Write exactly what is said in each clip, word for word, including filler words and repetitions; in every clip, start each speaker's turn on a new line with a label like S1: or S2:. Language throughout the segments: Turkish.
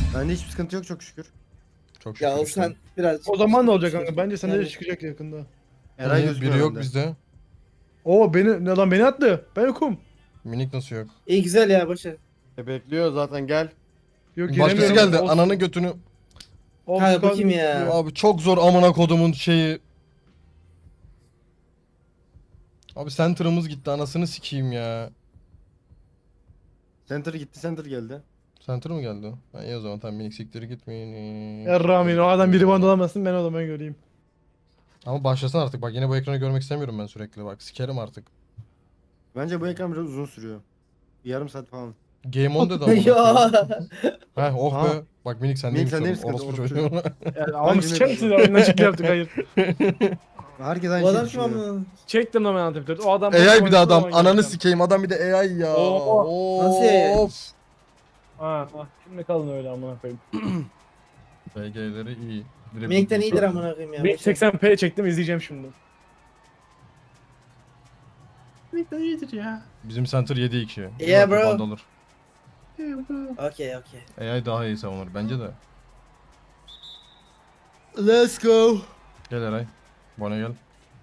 S1: Bende hiçbir sıkıntı yok çok şükür.
S2: Çok şükür
S3: Ya
S2: işte.
S3: sen biraz...
S4: O zaman ne olacak kanka? Bence sende de
S3: Yani-
S4: çıkacak yakında.
S1: Eray
S2: Niye?
S1: gözükmüyor
S2: Biri yok
S1: bende.
S2: bizde.
S4: Oo beni ne lan beni attı. Ben yokum.
S2: Minik nasıl yok?
S3: İyi güzel ya başa.
S1: E bekliyor zaten gel.
S4: Yok
S2: Başkası
S4: giremiyorum.
S2: geldi.
S4: Olsun.
S2: Ananı götünü.
S4: Olsun,
S3: Ha, bu
S4: kaldı.
S3: kim ya?
S2: Abi çok zor amına kodumun şeyi. Abi center'ımız gitti anasını sikeyim ya.
S1: Center gitti center geldi.
S2: Center mı geldi? Ha, iyi o zaman tamam minik siktir gitmeyin.
S4: Yarramin o adam biri bana dolamasın ben o zaman göreyim.
S2: Ama başlasın artık bak yine bu ekranı görmek istemiyorum ben sürekli bak sikerim artık.
S1: Bence bu ekran biraz uzun sürüyor. Bir yarım saat falan.
S2: Game on dedi amına
S3: Ya.
S2: koyayım. Heh oh
S1: Ha.
S2: be. Bak minik sen
S1: Minik
S2: neymiş
S1: sen
S2: oğlum.
S1: neymiş
S2: Orospu
S1: kız,
S2: çocuğu.
S4: Yani, ama
S1: Hangi
S4: sıçar
S1: bir-
S4: mısın? Oyundan çıktı yaptık hayır.
S1: Herkes aynı
S3: Bu
S1: şeyi
S3: adam kim
S1: düşünüyor.
S3: ama?
S4: Çektim lan ben Antep'te. O adam...
S2: A I bir de adam.
S4: Zaman
S2: Ananı
S4: geleceğim.
S2: sikeyim adam bir de A I ya.
S4: Oo.
S3: Nasıl A I?
S2: Of.
S4: Ha, ha. Şimdi kalın öyle amına koyayım.
S2: B G'leri iyi. Dribbling
S3: Minik'ten iyidir
S2: zaten.
S3: amına koyayım ya.
S4: Bir
S3: başa.
S4: seksen p çektim izleyeceğim şimdi.
S2: Bizim center yedi iki.
S3: Yeah, bro.
S2: Band olur.
S3: Okey okey.
S2: A I daha iyi savunur bence de.
S1: Let's go.
S2: Gel Eray. Bana gel.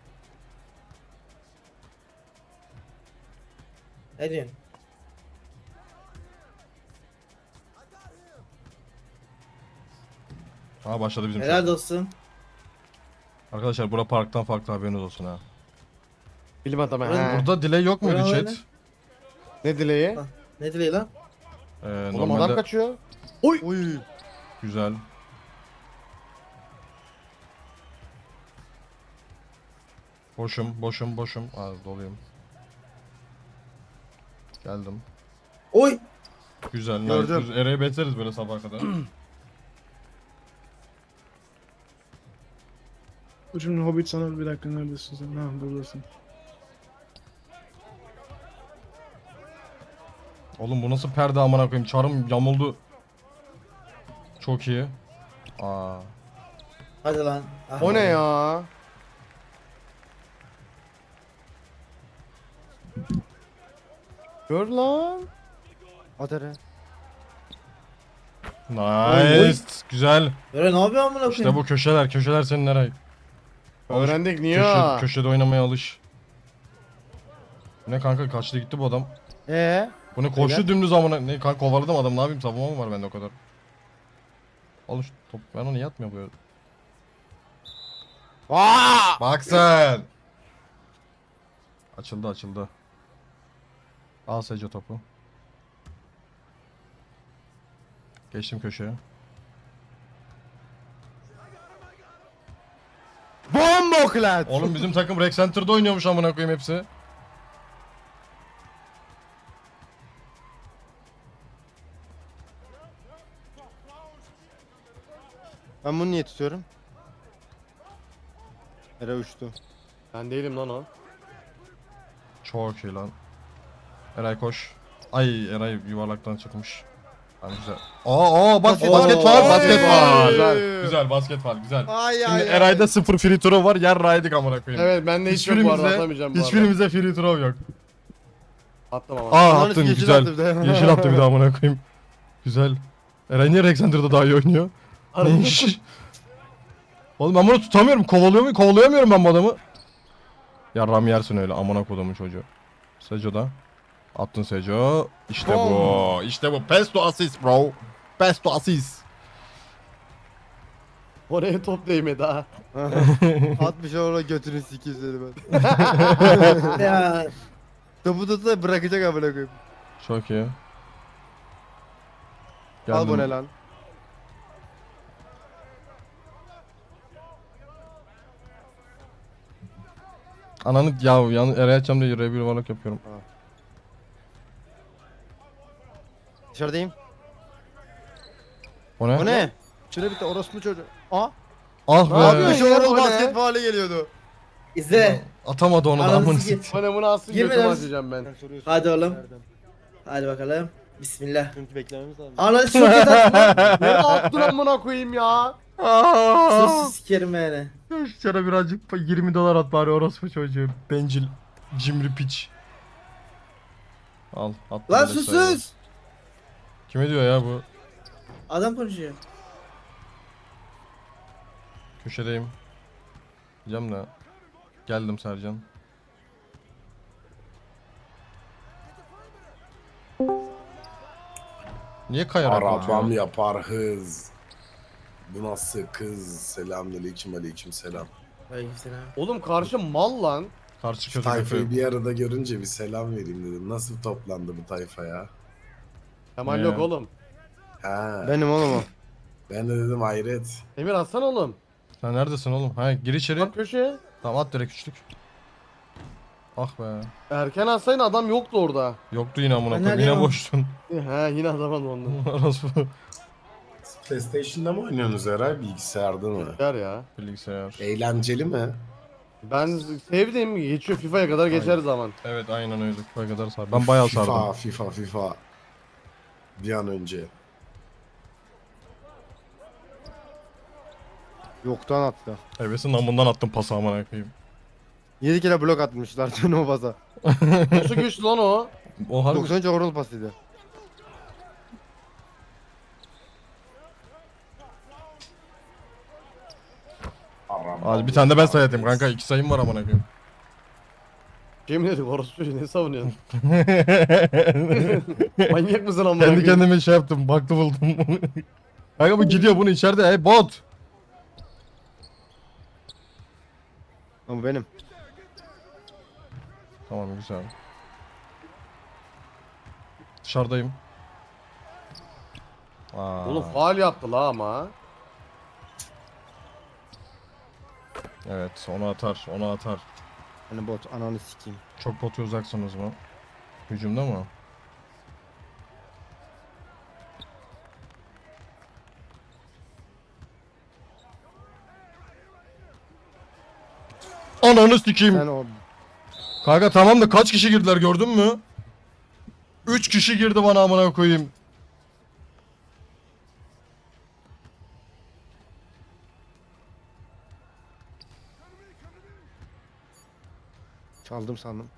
S3: Ne diyorsun?
S2: Ha başladı bizim şut.
S3: Helal dostum.
S2: Arkadaşlar bura parktan farklı haberiniz olsun ha.
S1: Bilim adamı.
S3: Buranın-
S1: he.
S2: Burada delay yok muydu
S3: Bravo
S2: chat?
S3: öyle.
S1: Ne dileği?
S3: Ha. Ne dileği lan?
S2: Ee,
S1: Oğlum
S2: normalde
S1: adam kaçıyor.
S2: Oy!
S1: Oy.
S2: güzel. Boşum, boşum, boşum. Az doluyum. Geldim.
S3: Oy!
S2: Güzel.
S1: Gördüm.
S2: Nice. Eray'ı bekleriz böyle sabaha kadar.
S4: Dur şimdi Hobbit sana bir dakika neredesin sen? Ha buradasın.
S2: Oğlum bu nasıl perde amına koyayım? Çarım yamuldu. Çok iyi. Aa.
S3: Hadi lan. Ah.
S1: O ne ya? Gör lan. At Eray.
S2: Nice. Güzel.
S3: Böyle ne yapıyor amına koyayım?
S2: İşte bu köşeler, köşeler senin Eray. Alış-
S1: Öğrendik niye?
S2: Köşe, köşede oynamaya alış. Bu ne kanka kaçtı gitti bu adam.
S1: Ee?
S2: Bu ne koştu
S1: Beyler.
S2: dümdüz amına. Ne kanka kovaladım adam ne yapayım savunma mı var bende o kadar. Al şu top ben onu yatmıyor böyle.
S1: Aa!
S2: Bak sen. Açıldı açıldı. Al Seco topu. Geçtim köşeye.
S1: Bomboklat.
S2: Oğlum bizim takım Rec Center'da oynuyormuş amına koyayım hepsi.
S1: Ben bunu niye tutuyorum? Eray uçtu. Ben değilim lan o.
S2: Çok iyi lan. Eray koş. Ay Eray yuvarlaktan çıkmış. Hani güzel. Aa aa bak
S1: Oo.
S2: basket var basket var.
S1: Güzel.
S2: Güzel basket var güzel.
S1: Ay
S2: Şimdi Eray'da sıfır free throw var yer raydık amına koyayım.
S1: Evet ben de hiç yok bu arada
S2: Hiçbirimize,
S1: atamayacağım bu arada.
S2: hiçbirimize free throw yok.
S1: Attım ama.
S2: Aa
S1: Ananı
S2: attın
S1: yeşil
S2: güzel.
S1: attı bir de.
S2: Yeşil attı bir daha amına koyayım. Güzel. Eray niye Rec Center'da daha iyi oynuyor? Ne iş? Oğlum ben bunu tutamıyorum. Kovalıyor muyum? Kovalayamıyorum ben bu adamı. Ya Ram yersin öyle amına kodumun çocuğu. Seco da. Attın Seco. İşte bu. İşte bu. Pesto assist bro. Pesto assist.
S1: Oraya top değmedi ha. Atmış orada götünü sikeyim seni ben.
S3: Ya.
S1: Topu tutsa da bırakacak amına koyayım.
S2: Çok iyi.
S1: Al bu
S2: Geldim.
S1: ne lan?
S2: Ananı ya yan Eray açacağım diye R bir yuvarlak yapıyorum.
S1: Dışarıdayım.
S2: O ne?
S1: O ne? Şöyle bir de orospu çocuğu. Aa.
S2: Ah
S1: Ne
S2: be.
S1: yapıyorsun?
S3: ya,
S1: Orada
S3: o ne?
S1: basket faali geliyordu.
S3: İzle.
S2: Atamadı onu da
S3: Ananı
S2: amına
S3: sikeyim.
S2: sikeyim.
S1: Bana bunu asıl
S3: Girme
S1: götüme
S3: lan.
S1: atacağım ben.
S3: Hadi oğlum. Hadi bakalım. Bismillah.
S1: Çünkü beklememiz lazım.
S3: Ananı çok kötü attın lan.
S1: Ne attın amına koyayım ya?
S3: Sus sikerim yani.
S2: Sana birazcık yirmi dolar at bari orospu çocuğu. Bencil. Cimri piç. Al. At
S3: Lan
S2: böyle
S3: sus
S2: sayı.
S3: sus.
S2: Kime diyor ya bu?
S3: Adam konuşuyor.
S2: Köşedeyim. Diyeceğim de. Geldim Sercan. Niye kayarak
S5: Arabam
S2: atıyor?
S5: yapar hız. Bu nasıl kız? Selamünaleyküm, aleyküm selam.
S3: Aleykümselam.
S1: Oğlum karşı mal lan.
S2: Karşı
S5: Şu
S2: kötü
S5: tayfayı
S2: kötü.
S5: bir arada görünce bir selam vereyim dedim. Nasıl toplandı bu tayfa ya?
S1: Kemal
S2: Ne
S1: yok
S2: ya?
S1: oğlum.
S5: Ha. Ben,
S1: Benim oğlum o.
S5: ben de dedim hayret.
S1: Emir atsana oğlum.
S2: Sen neredesin oğlum? Ha gir içeri.
S1: Bak köşeye.
S2: Tamam at direkt üçlük. Ah be.
S1: Erken atsaydın adam yoktu orada.
S2: Yoktu yine amına
S3: Ben
S2: koyayım. Yine
S3: neredeyim?
S2: boştun.
S1: He yine adam alındı.
S2: Orası
S5: Siz PlayStation'da mı oynuyorsunuz herhalde, bilgisayarda mı?
S1: Yer ya.
S2: bilgisayar.
S5: Eğlenceli mi?
S1: Ben sevdim. Geçiyor FIFA'ya kadar geçer zaman.
S2: Evet aynen öyle. Bu kadar sar. Ben bayağı
S5: FIFA,
S2: sardım.
S5: FIFA, FIFA. Bir an önce.
S1: Yoktan attı.
S2: Hevesin namından attım pası amına koyayım.
S1: yedi kere blok atmışlar dün o baza. Nasıl güçlü lan o?
S2: O harbi.
S1: doksan üç overall pasıydı.
S5: Arabam
S2: Hadi bir tane de ben
S5: yapar
S2: sayatayım
S5: hız.
S2: kanka. İki sayım var amına koyayım.
S1: Yemin ederim orası çocuğu ne savunuyorsun? Manyak mısın amına
S2: Kendi
S1: koyayım?
S2: kendime şey yaptım. Baktı buldum. Kanka bu gidiyor bunu içeride. Hey bot.
S1: Ama benim.
S2: Tamam güzel. Dışarıdayım. Aa.
S1: Oğlum faal yaptı la ama.
S2: Evet onu atar onu atar.
S1: Hani bot ananı sikeyim.
S2: Çok botu uzaksınız mı? Hücumda mı? Ananı sikeyim.
S1: Sen o
S2: Kanka tamam da kaç kişi girdiler gördün mü? üç kişi girdi bana amına koyayım.
S1: çaldım sandım.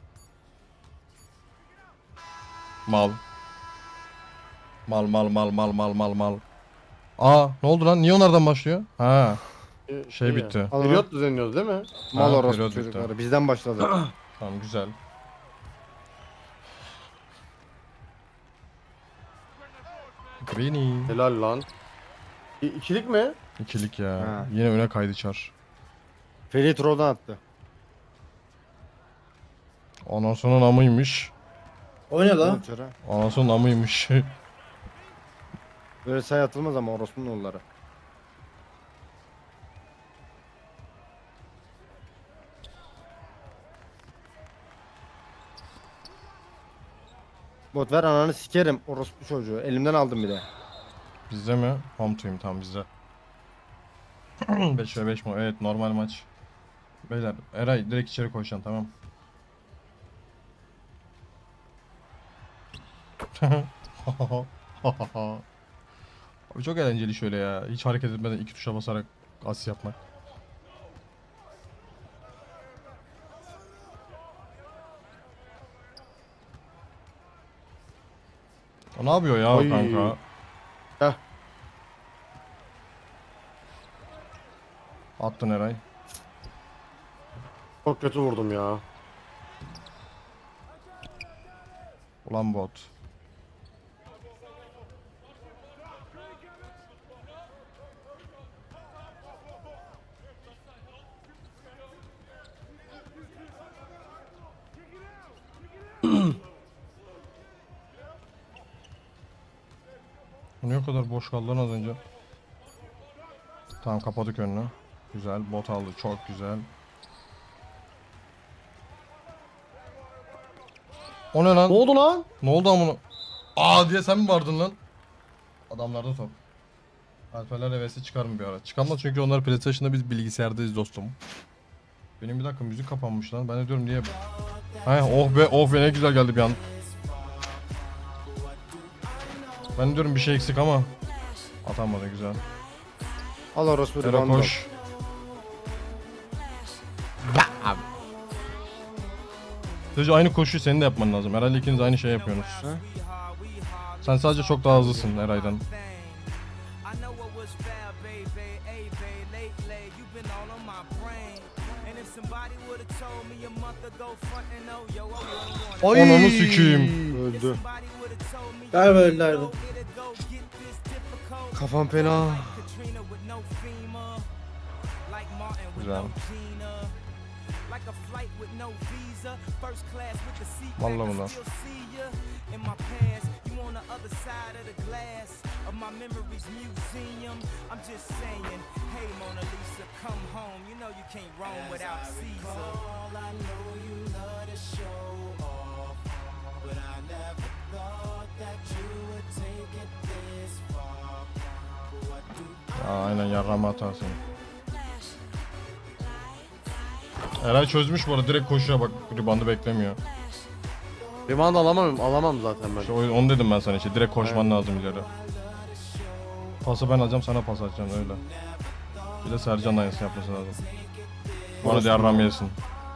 S2: Mal. Mal mal mal mal mal mal mal. Aa ne oldu lan? Niye onlardan başlıyor? Ha şey bitti.
S1: Periyot düzenliyoruz değil mi? Mal
S2: Ha,
S1: orospu
S2: periyot
S1: çocukları.
S2: bitti.
S1: Bizden başladı.
S2: Tamam güzel. Beni.
S1: Helal lan. İ- İkilik mi?
S2: İkilik ya.
S1: Ha.
S2: Yine öne kaydı çar.
S1: Feri troll'dan attı.
S2: Anasının amıymış.
S3: O ne lan?
S1: Çara.
S2: Anasının amıymış.
S1: Böyle say atılmaz ama orospunun oğulları. Bot ver ananı sikerim orospu çocuğu. Elimden aldım bir de.
S2: Bizde mi? Home team tam bizde. beş ve beş mi? Evet normal maç. Beyler Eray direkt içeri koşacaksın tamam. Abi çok eğlenceli şöyle ya. Hiç hareket etmeden iki tuşa basarak as yapmak. O ne yapıyor ya o
S1: Oy.
S2: kanka?
S1: Heh.
S2: Attın Eray.
S1: Çok kötü vurdum ya.
S2: Ulan bot. Bu niye o kadar boş kaldı lan az önce? Tamam kapadık önünü. Güzel bot aldı çok güzel. O ne lan?
S1: Ne oldu lan?
S2: Ne oldu amına? Aa diye sen mi vardın lan? Adamlarda top. Alperler hevesi çıkar mı bir ara? Çıkamaz çünkü onlar PlayStation'da biz bilgisayardayız dostum. Benim bir dakika müzik kapanmış lan. Ben de diyorum niye? Hay oh be oh be ne güzel geldi bir an. Ben diyorum bir şey eksik ama atamadı güzel.
S1: Al orospu
S2: Ero
S1: reboundu.
S2: koş. Sadece aynı koşuyu senin de yapman lazım. Herhalde ikiniz aynı şey yapıyorsunuz.
S1: Ha?
S2: Sen sadece çok daha hızlısın Eray'dan.
S6: I know it was fair, baby, hey, babe, lately you've been all on my brain. And if somebody would have told me a month ago, frontin' oh, yo, I wouldn't want
S1: Ay.
S2: Ananı sikeyim.
S1: Öldü.
S6: somebody would have told me
S3: Galiba öldü harbi.
S6: it'd go get this difficult.
S1: Kafam fena.
S6: Katrina with no FEMA, like Martin with
S2: Güzel.
S6: no Gina, like a flight with no visa, first class with the seat back,
S2: Vallahi
S6: I
S2: bunlar.
S6: still see ya in my past. You on the other side of the glass of my memories museum. I'm just saying, hey Mona Lisa, come home. You know you can't roam without Caesar. I know you love to show off, but I never thought that you would take it this far. What do
S2: Aa, aynen yarrağımı atarsın. Eray çözmüş bu arada, direkt koşuyor bak, ribandı beklemiyor.
S1: Rebound alamam, alamam zaten ben.
S2: İşte o- onu dedim ben sana, işte direkt koşman lazım ileri. Pası ben alacağım, sana pas atacağım öyle. Bir de Sercan aynısını yapması lazım. Bana da yarrağımı yesin.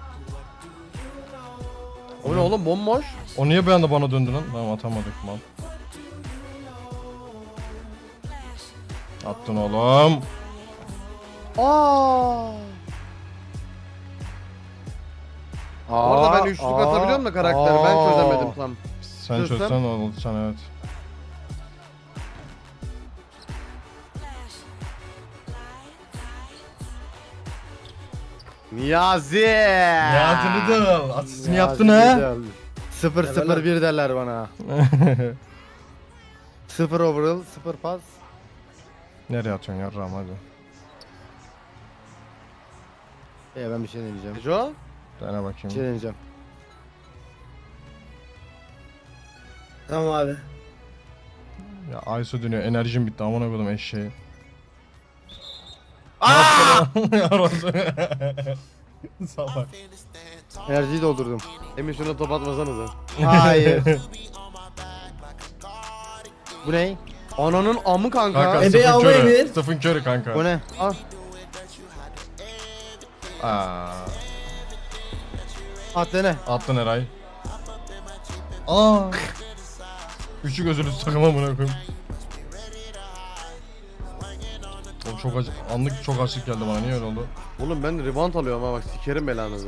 S1: O ne oğlum, bomboş.
S2: O niye bir anda bana döndü lan? Tamam, atamadık mal. Attın oğlum.
S1: Aa. Orada ben üçlük
S2: aa,
S1: atabiliyorum da karakteri. Ben
S2: aa.
S1: çözemedim tam.
S2: Sen
S1: Çözsem?
S2: çözsen oldu sen, evet.
S1: Niyazi.
S2: Niyazi Riddle, asistini yaptın ha.
S1: sıfır sıfır bir derler bana. sıfır overall, sıfır pas.
S2: Nereye atıyorsun yarrağım, hadi.
S1: Ee ben bir şey deneyeceğim. Jo?
S2: Dene
S1: Bir şey
S2: bakayım.
S1: deneyeceğim.
S3: Tamam abi.
S2: Ya Aysu dönüyor, enerjim bitti, amına koydum eşeği.
S1: Aaaa!
S2: Salak.
S1: Enerjiyi doldurdum. Emin şuna top atmasanıza. Hayır. Bu ne? Ananın amı kanka.
S2: Kanka
S3: Ebe
S2: Stephen
S3: ama
S2: Curry.
S3: Emir.
S2: Stephen Curry kanka.
S1: Bu ne? Al.
S2: Aa,
S1: At dene.
S2: attın Eray. Aa. Üçü gözünü takım amına koyayım. Oğlum çok acı, anlık çok açlık geldi bana, niye öyle oldu?
S1: Oğlum ben rebound alıyorum ha, bak sikerim belanızı.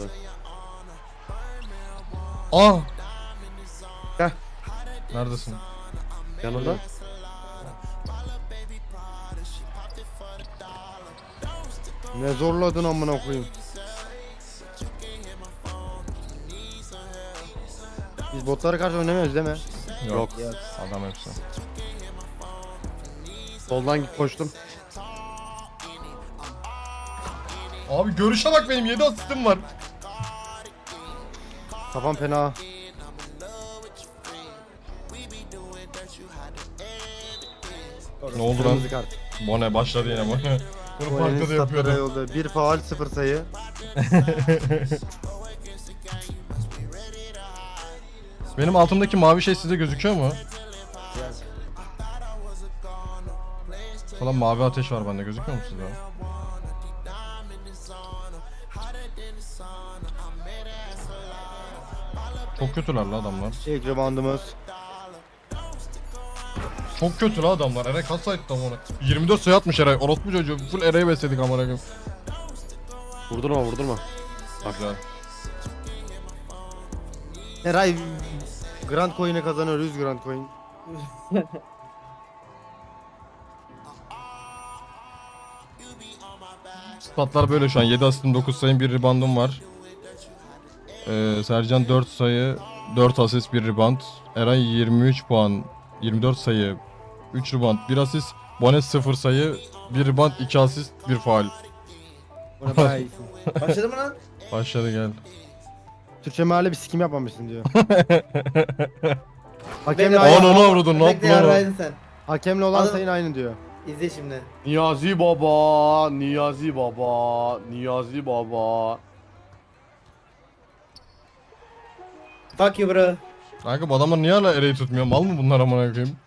S2: Aa.
S1: Gel.
S2: Neredesin?
S1: Yanında. Ne zorladın amına koyayım. Biz botlara karşı oynamıyoruz değil mi?
S2: Yok.
S1: Yok.
S2: Adam hepsi.
S1: Soldan git koştum.
S2: Abi görüşe bak, benim yedi asistim var.
S1: Kafam fena.
S2: Ne oldu lan?
S1: Kırmızı kart.
S2: Bone başladı yine Bone. Bunu
S1: Bu
S2: farklı
S1: elin
S2: da
S1: statlara
S2: yapıyordu.
S1: yolda. Bir faul, sıfır sayı.
S2: Benim altımdaki mavi şey size gözüküyor mu? Falan mavi ateş var bende, gözüküyor mu size? Çok kötüler la adamlar.
S1: İlk reboundumuz.
S2: Çok kötü la adamlar. Eray kaç sayı tam ona? yirmi dört sayı atmış Eray. Orospu çocuğu. Full Eray'ı besledik amına koyayım.
S1: Vurdurma vurdurma.
S2: Güzel.
S1: Eray Grand Coin'e kazanıyor, yüz Grand Coin.
S2: Statlar böyle şu an. yedi asistim, dokuz sayım, bir reboundum var. Ee, Sercan dört sayı, dört asist, bir rebound. Eray yirmi üç puan, yirmi dört sayı, üç rebound, bir asist. Bonet sıfır sayı, bir rebound, iki asist, bir faul.
S1: Bu ne bayağı iyisin.
S3: Başladı mı lan?
S2: Başladı, gel.
S1: Türkçe meali bir sikim yapmamışsın diyor. Hakemle,
S3: Bekle,
S2: Onu,
S1: aynı,
S2: onu vurdun, ne
S3: Bekle
S2: yaptın onu?
S3: yarraydın sen.
S1: hakemle olan
S3: Adam-
S1: sayın aynı diyor.
S3: İzle şimdi.
S1: Niyazi baba, Niyazi baba, Niyazi baba.
S3: Fuck you bro.
S2: Kanka bu adamlar niye hala Eray'ı tutmuyor? Mal mı bunlar amına koyayım?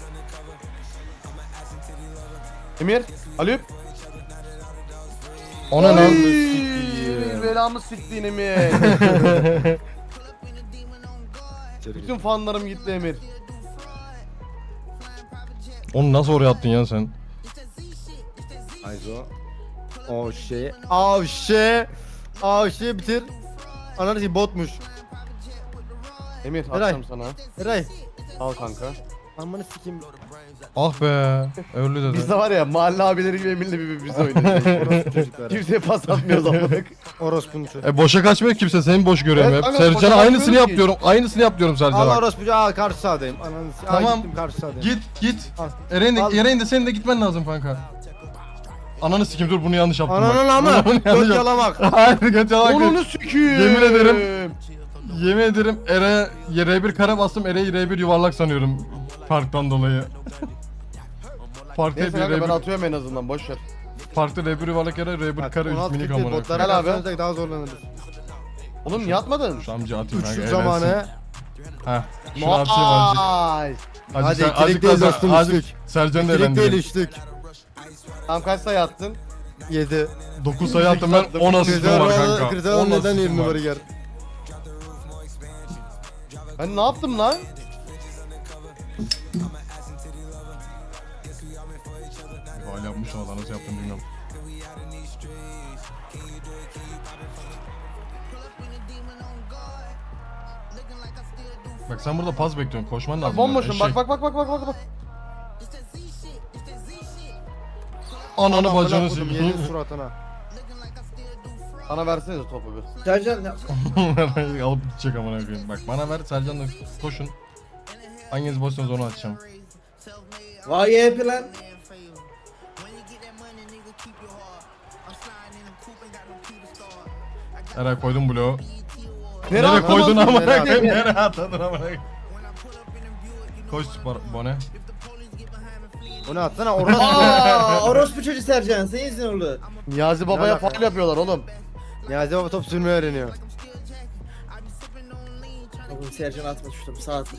S1: Emir, Alüp.
S2: O ne lan?
S1: Oy, belamı siktiğin Emir. Bütün fanlarım gitti Emir.
S2: Onu nasıl oraya attın ya sen?
S1: Ayzo. Oh şey. Oh şey. Oh şey bitir. Ananı şey botmuş. Emir
S7: Eray.
S1: atacağım sana.
S7: Eray.
S1: Al kanka.
S7: Amanı sikeyim.
S2: Ah be. Öldü dedi.
S1: Biz de var ya mahalle abileri gibi Emir'le bir biz oynuyoruz.
S7: Orospu çocukları.
S1: Kimseye pas atmıyoruz amına.
S7: Orospunun çocuğu.
S2: E boşa kaçmıyor kimse, seni boş görüyorum
S1: Evet,
S2: hep.
S1: kanka, boşa
S2: Sercan'a aynısını
S1: kaçmıyoruz
S2: yap
S1: ki.
S2: diyorum. Aynısını yap diyorum Sercan'a.
S7: Allah orospu al karşı sahadayım. Ananı sikeyim.
S2: Tamam.
S7: Gittim karşı sahadayım.
S2: Git git.
S7: Al.
S2: Eren de,
S7: Al.
S2: Eren de senin de gitmen lazım kanka. Ananı sikim, dur bunu yanlış yaptım.
S7: Ananın
S2: bak.
S7: ama.
S2: Bunu yanlış
S7: Göt
S2: yaptım.
S7: yalamak.
S2: Hayır göt yalamak değil.
S1: Onunu sikiyim.
S2: Yemin ederim. Yemin ederim Ere'ye R bir kare bastım, Ere'yi R bir yuvarlak sanıyorum. Farktan dolayı. Farklı
S1: Neyse
S2: bir
S1: kanka ben
S2: R bir,
S1: atıyorum en azından boş ver.
S2: farklı R bir yuvarlak Ere, R bir
S7: Bak,
S2: kare
S7: on
S2: üst
S7: altı
S2: minik
S7: kırk
S2: amına
S7: botlara
S2: koyayım.
S1: Gel abi.
S7: karşılaşsak daha zorlanırız.
S1: Oğlum niye atmadın?
S2: Şu amca atayım kanka,
S7: Üçlük
S2: eğlensin.
S7: zamanı.
S2: Heh. Şunu atayım azıcık.
S1: Ay.
S2: Azıcık,
S7: Hadi,
S2: sen-
S7: ikilik
S2: azıcık
S7: değil
S2: daha
S7: dostum,
S2: sen- azıcık
S7: üçlük.
S2: Sercan'ı da
S7: Direkt değil
S2: eğlendireyim.
S7: üçlük.
S1: Tam kaç sayı attın?
S7: Yedi.
S2: dokuz sayı attım ben, on asistim var kanka.
S7: Krizel
S2: on
S7: neden
S2: asistim
S7: yedi
S2: var.
S7: numara gel.
S1: Ben ne yaptım lan?
S2: Gol yapmış ama da nasıl yaptım bilmiyorum. Bak sen burada pas bekliyorsun, koşman lazım.
S1: Bak bomboşum
S2: Eşek.
S1: bak bak bak bak bak bak.
S2: Ananı
S7: Amına
S2: bacını
S7: koydum,
S2: sikeyim.
S7: yedin suratına.
S1: Bana versenize topu bir.
S3: Sercan ya.
S2: Alıp gidecek amına koyayım. Bak bana ver, Sercan'la koşun. Hanginiz boşsanız onu açacağım.
S3: Vay ye plan.
S2: Eray koydum bloğu.
S1: Nereye
S2: Nereye koydun
S1: atamazsın?
S2: amına
S7: Nereye
S2: koyayım? Nereye atadın amına koyayım? Koş Bar- Bone.
S7: Onu atsana orospu.
S3: Aa, orospu çocuğu Sercan. Senin yüzünden oldu.
S1: Niyazi babaya
S7: alaka
S1: faul yapıyorlar oğlum.
S7: Niyazi baba top sürmeyi öğreniyor.
S3: Oğlum Sercan atma şu topu. Sağ at.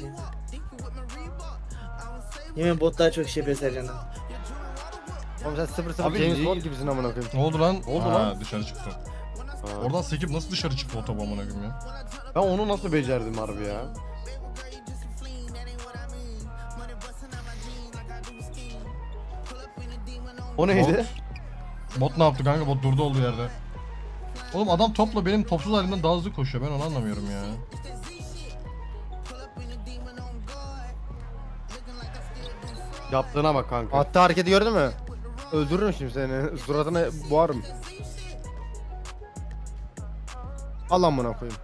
S3: Yemin botlar çok iş yapıyor Sercan'dan.
S7: Oğlum sen sıfır sıfır
S1: Abi
S7: James
S1: niye-
S7: Bond gibisin amına koyayım.
S2: Ne oldu lan?
S1: oldu
S2: Ha,
S1: lan?
S2: dışarı çıktı. Oradan sekip nasıl dışarı çıktı o top amına koyayım ya?
S1: Ben onu nasıl becerdim harbi ya? O neydi?
S2: Bot ne yaptı kanka? Bot durdu olduğu yerde. Oğlum adam topla benim topsuz halimden daha hızlı koşuyor. Ben onu anlamıyorum ya.
S1: Yaptığına bak kanka.
S7: Attığı hareketi gördün mü? Öldürürüm şimdi seni. Suratına boğarım. Al amına koyayım.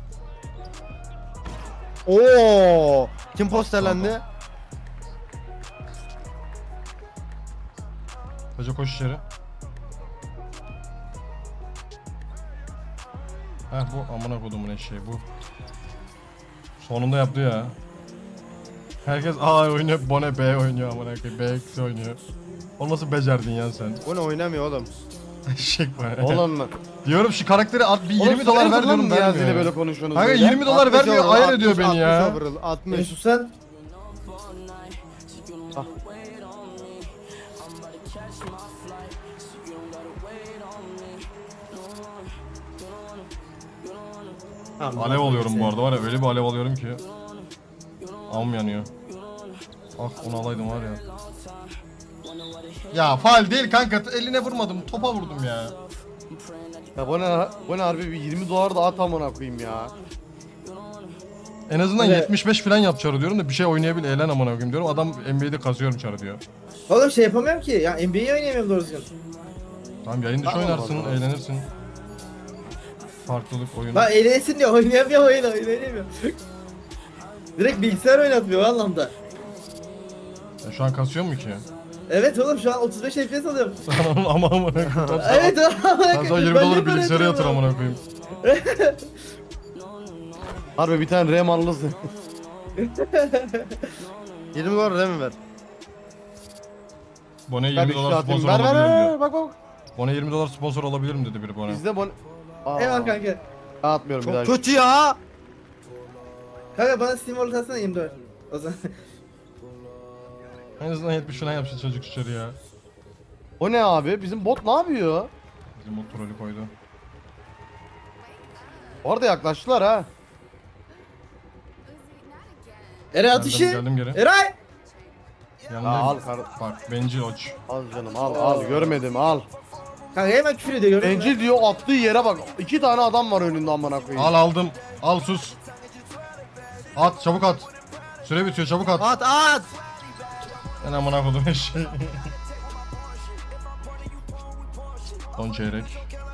S7: Oo! Kim posterlendi?
S2: Hoca koş içeri. Heh bu amına kodumun eşeği bu. Sonunda yaptı ya. Herkes A oynuyor, Bone B oynuyor amına koyayım. B eksi oynuyor. O nasıl becerdin ya sen?
S7: Bu ne oynamıyor oğlum?
S2: Eşek bu.
S1: Oğlum.
S2: Diyorum şu karakteri at bir
S1: Oğlum
S2: yirmi dolar ver
S1: lan
S2: diyorum
S1: Niyazi'yle
S2: vermiyor.
S1: böyle
S2: ya.
S1: konuşuyorsunuz
S2: Kanka
S1: böyle.
S2: yirmi dolar
S7: altmış
S2: vermiyor,
S7: overall,
S2: ayar ediyor
S7: altmış,
S2: beni ya.
S7: altmış overall, altmış.
S3: Mesut sen. Tamam,
S2: Alev alıyorum bu arada var ya, öyle bir alev alıyorum ki. Am yanıyor. Ah onu alaydım var ya. Ya faal değil kanka, eline vurmadım, topa vurdum ya.
S1: Ya bu ne, bu ne harbi bir yirmi dolar da at amına koyayım ya.
S2: En azından
S3: Evet.
S2: yetmiş beş falan yap çarı diyorum da bir şey oynayabil, eğlen amına koyayım diyorum. Adam N B A'de kazıyorum çarı diyor.
S3: Oğlum şey yapamıyorum ki. Ya N B A'yi oynayamıyorum doğru düzgün.
S2: Tamam yayın dışı
S1: Tamam,
S2: oynarsın,
S1: o zaman.
S2: eğlenirsin. Farklılık oyunu.
S3: Bak eğlensin diyor. Oynayamıyor oyunu. Oynayamıyor. Direkt bilgisayar oynatmıyor o anlamda.
S2: Ya şu an kasıyor mu ki?
S3: Evet oğlum şu an otuz beş F P S alıyorum.
S2: Ama amına koyayım.
S3: Evet
S2: Sen sana yirmi doları bilgisayara yatır amına koyayım.
S1: Harbi bir tane RAM alırsın.
S7: yirmi dolar değil mi ver?
S2: Bone
S1: Ver
S2: yirmi
S1: bir şey
S2: dolar
S1: atayım.
S2: sponsor
S1: Ver ver
S2: olabilirim
S1: ver
S2: diyor.
S1: bak bak.
S2: Bone yirmi dolar sponsor olabilirim dedi biri Bone.
S1: Bizde bu... Aa,
S3: Eyvallah kanka.
S1: ben atmıyorum bir daha.
S7: Çok kötü ya.
S3: Kanka bana Steam Wallet atsana yirmi dört. O zaman.
S2: En azından yetmiş falan yapsın çocuk içeri ya.
S1: O ne abi? Bizim bot ne yapıyor?
S2: Bizim o trolü koydu.
S7: Orada yaklaştılar ha.
S3: Eray
S2: Geldim,
S3: atışı.
S2: geldim geri.
S3: Eray.
S2: Yanındayım.
S7: al kar-
S2: Bak bencil oç.
S7: Al canım al al görmedim al.
S3: Kanka hemen küfür ediyor gördün mü?
S7: Bencil diyor attığı yere bak. İki tane adam var önünde amına koyayım.
S2: Al aldım. Al sus. At çabuk at. Süre bitiyor çabuk at.
S1: At at.
S2: Ben amına kodum eşeği. Son çeyrek.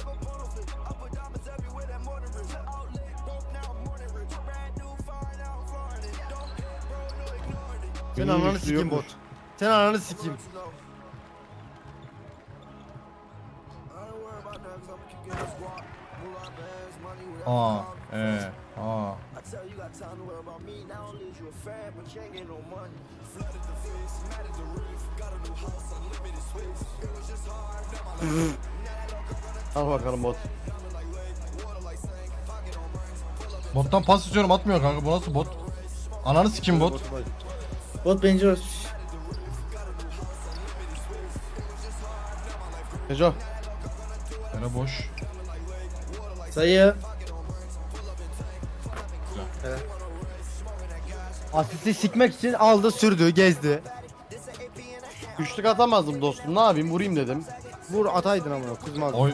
S1: Sen
S7: Benim
S1: ananı
S7: güçlü
S1: sikeyim bot.
S7: yokmuş.
S1: Sen ananı sikeyim.
S2: A, E, A.
S7: Al bakalım bot.
S2: Bottan pas istiyorum atmıyor kanka bu nasıl bot? Ananı sikim bot.
S3: Bot bencil olmuş.
S7: Neco.
S2: Yere boş.
S3: Sayı.
S1: Asisti sikmek için aldı sürdü gezdi.
S7: Üçlük atamazdım dostum. Ne yapayım vurayım dedim.
S1: Vur ataydın amına kızmaz.
S2: Oy.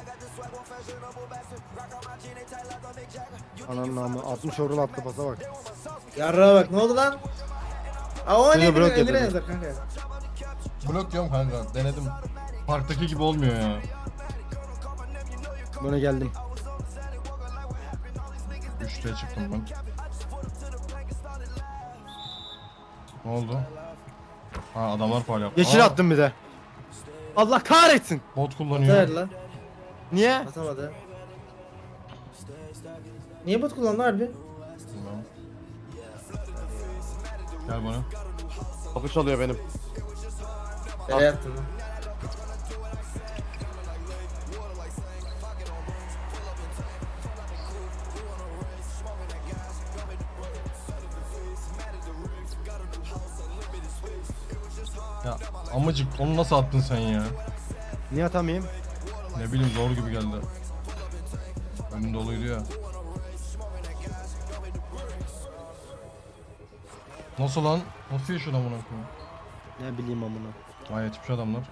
S1: Ananın namı altmış orul attı pasa bak.
S3: Yarrağa bak ne oldu lan? Aa o
S1: Seni
S3: ne
S1: blok
S3: bileyim Emre
S1: yapıyordum.
S3: yazar kanka.
S2: Blok diyorum kanka denedim. Parktaki gibi olmuyor ya.
S1: Buna geldim.
S2: Üçte çıktım ben. Ne oldu? Ha adamlar faul yaptı.
S1: Yeşil
S2: Aa,
S1: attım bir de. Allah kahretsin.
S2: Bot
S3: Atar
S2: kullanıyor.
S3: lan.
S1: Niye?
S3: Atamadı. Niye bot kullandı harbi?
S2: Bilmem. Gel bana.
S7: Kapı çalıyor benim.
S3: Nereye attın lan?
S2: Ya amacık onu nasıl attın sen ya?
S1: Niye atamayayım?
S2: Ne bileyim zor gibi geldi. Önüm doluydu ya. Nasıl lan? Nasıl yaşıyor lan bunu?
S1: Ne bileyim amına.
S2: Vay yetmiş adamlar.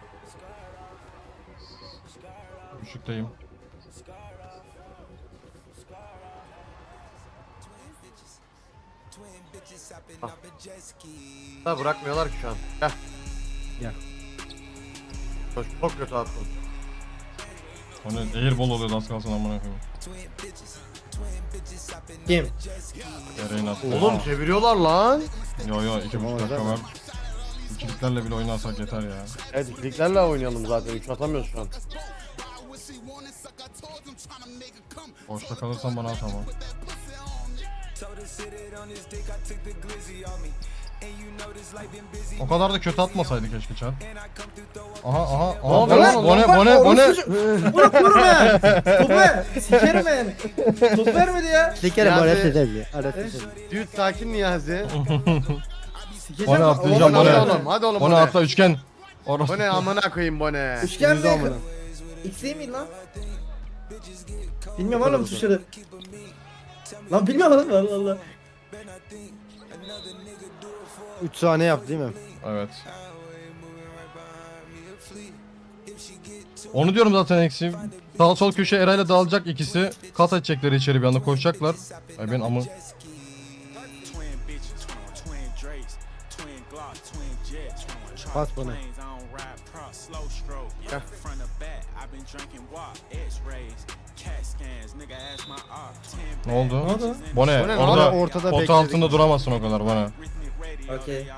S2: Üçlükteyim.
S7: Ha bırakmıyorlar ki şu an. Gel.
S1: Gel.
S7: Çok, çok kötü attın.
S2: O ne? Airball oluyordu az kalsın amına koyayım.
S3: Kim?
S2: Ereğin attı.
S7: Oğlum çeviriyorlar lan.
S2: Yo yo iki buçuk dakika
S1: Tamam,
S2: var. İkiliklerle bile oynarsak yeter ya.
S7: Evet ikiliklerle oynayalım zaten. Üç atamıyoruz şu an.
S2: Boşta kalırsan bana at ama. O kadar da kötü atmasaydı keşke Çar. Aha aha aha.
S7: oldu
S2: Bone
S7: lan?
S2: bone bone bone.
S3: Bırak vururum ben. Topu ver. Sikerim ben. Top vermedi ya.
S1: Sikerim
S7: Niyazi.
S1: öğret edelim. Öğret edelim.
S7: Dude sakin Niyazi.
S2: Bone atlayacağım
S7: Hadi
S2: bone.
S7: oğlum hadi oğlum
S2: Bone
S7: bone.
S2: atla üçgen. Orası.
S7: Bone amına koyayım bone.
S3: Üçgen
S1: Yüzü
S3: mi?
S1: amına.
S3: X değil miydi lan? Bilmiyorum oğlum tuşları. Lan bilmiyorum oğlum Allah Allah.
S1: üç saniye yaptı değil mi?
S2: Evet. Onu diyorum zaten eksi. Sağ sol köşe Eray'la dağılacak ikisi. Kat edecekleri içeri bir anda koşacaklar. Ay ben amı.
S1: Pas bana.
S2: Ne oldu?
S3: Ne oldu?
S2: Bone,
S7: Bone ne
S2: orada
S1: oldu? Ortada
S2: pot
S1: bekledik.
S2: altında duramazsın o kadar bana.
S3: Okey.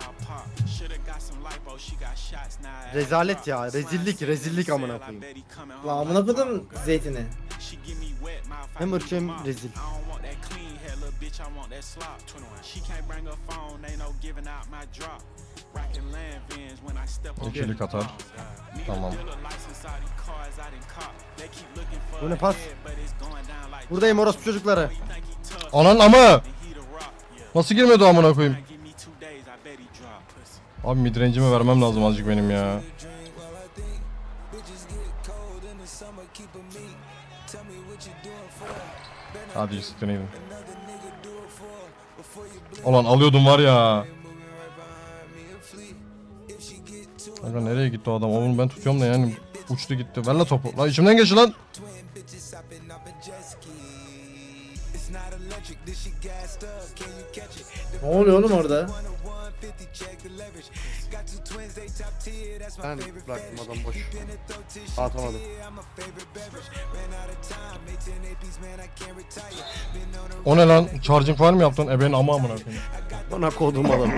S1: Rezalet ya. Rezillik rezillik amına koyayım.
S3: Lan amına koydum zeytini.
S1: Hem ırkçı hem rezil.
S2: İkilik atar. Tamam.
S1: Bu ne pas? Buradayım orospu çocukları.
S2: Anan amı! Nasıl girmedi o amına koyayım? Abi midrange'imi vermem lazım azıcık benim ya. Hadi siktir gidin. Ulan alıyordum var ya. Kanka nereye gitti o adam? Oğlum ben tutuyorum da yani uçtu gitti. Ver la topu. Lan içimden geçti lan.
S3: Ne oluyor oğlum orada?
S1: Ben bıraktım adam boş. Atamadım.
S2: O ne lan? Charging var mı yaptın? Ebenin ama amına koyayım.
S1: Bana kodum adam.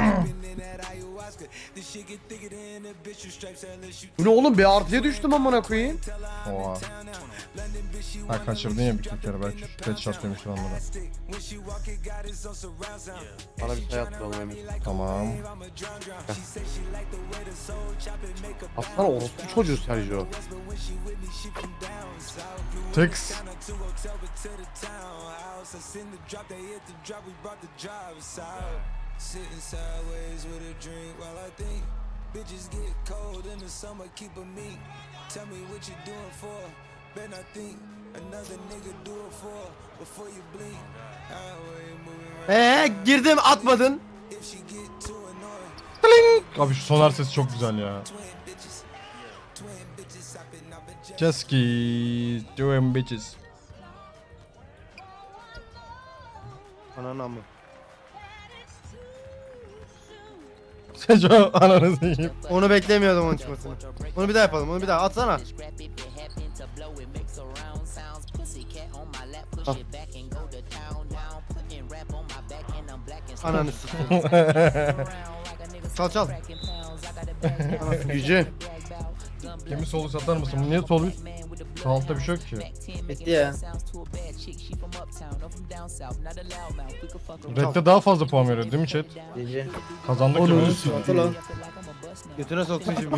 S1: Bu ne oğlum, bir artıya düştüm amına koyayım.
S2: Oha. Ha kaçırdın ya bir kere belki. Headshot demiştir onlara.
S1: Bana bir sayı attı oğlum Emir.
S2: Tamam.
S1: Aslında orospu çocuğu Sergio.
S2: Tex.
S1: Eee girdim atmadın.
S2: Abi şu sonar sesi çok güzel ya. Jeski, doing bitches.
S1: Ananı amı.
S2: Seco ananı sikeyim.
S1: Onu beklemiyordum onun çıkmasını. Onu bir daha yapalım, onu bir daha atsana. Al. Ananı sikeyim. Çal çal. Yüce.
S2: Kimi solu satar mısın? Niye sol üst? Sağ altta bir şey yok ki.
S3: Bitti ya.
S2: Red'de daha fazla puan veriyor değil mi chat?
S3: Gece.
S2: Kazandık
S3: Onu
S2: ya.
S3: atı lan.
S1: Götüne soksun şimdi.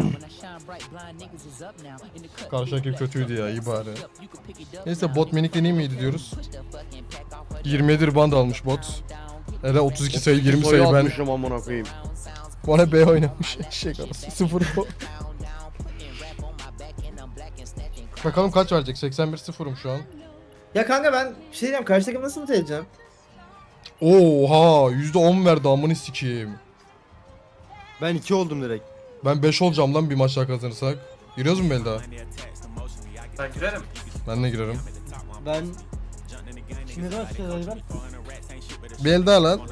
S2: Karşı rakip kötüydü ya, iyi bari. Neyse bot minikle iyi miydi diyoruz. yirmi yedi band almış bot. Hele otuz iki sayı yirmi sayı ben.
S1: atmışım amına koyayım.
S2: Bana B oynamış. Eşek arası. sıfır bu. Bakalım kaç verecek? seksen bir sıfırım şu an.
S3: Ya kanka ben bir şey diyeyim, karşı takım nasıl mutlu edeceğim?
S2: Oha yüzde on verdi amını sikeyim.
S1: Ben iki oldum direkt.
S2: Ben beş olacağım lan bir maç daha kazanırsak. Giriyoruz mu Belda?
S8: Ben girerim.
S2: Ben de girerim.
S1: Ben... Şimdi nasıl söyleyeyim ben?
S2: Belda lan.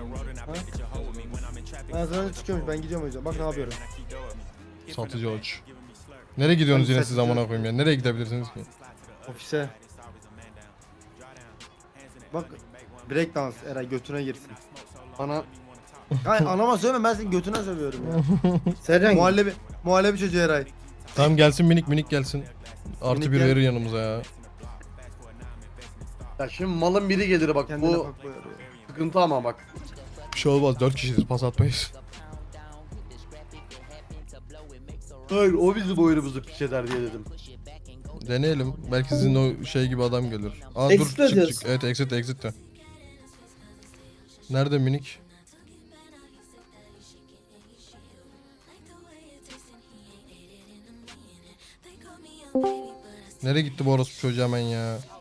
S1: Ben sana çıkıyormuş, ben gidiyorum o yüzden. Bak ne yapıyorum.
S2: Satıcı aç. Nereye gidiyorsunuz
S1: Ben
S2: yine siz
S1: satıcı-
S2: amına koyayım ya? Nereye gidebilirsiniz ki?
S1: Ofise. Bak break dans Eray götüne girsin. Ana... Ay anama söyleme, ben senin götüne sövüyorum ya.
S3: Sercan
S1: muhallebi, muhallebi çocuğu Eray.
S2: Tamam gelsin minik minik gelsin. Artı
S1: Minik
S2: bir
S1: gel.
S2: verir yanımıza ya.
S9: Ya şimdi malın biri gelir bak
S1: Kendine
S9: bu
S1: bak bu yarıyor.
S9: sıkıntı ama bak.
S2: Bir şey olmaz dört kişiyiz pas atmayız.
S9: Hayır o bizim oyunumuzu piç eder diye dedim.
S2: Deneyelim. Belki sizin o şey gibi adam gelir. Aa
S3: Exit
S2: dur çık
S3: diyorsun.
S2: çık. Evet exit exit de. Nerede minik? Nereye gitti bu orospu çocuğu hemen ya?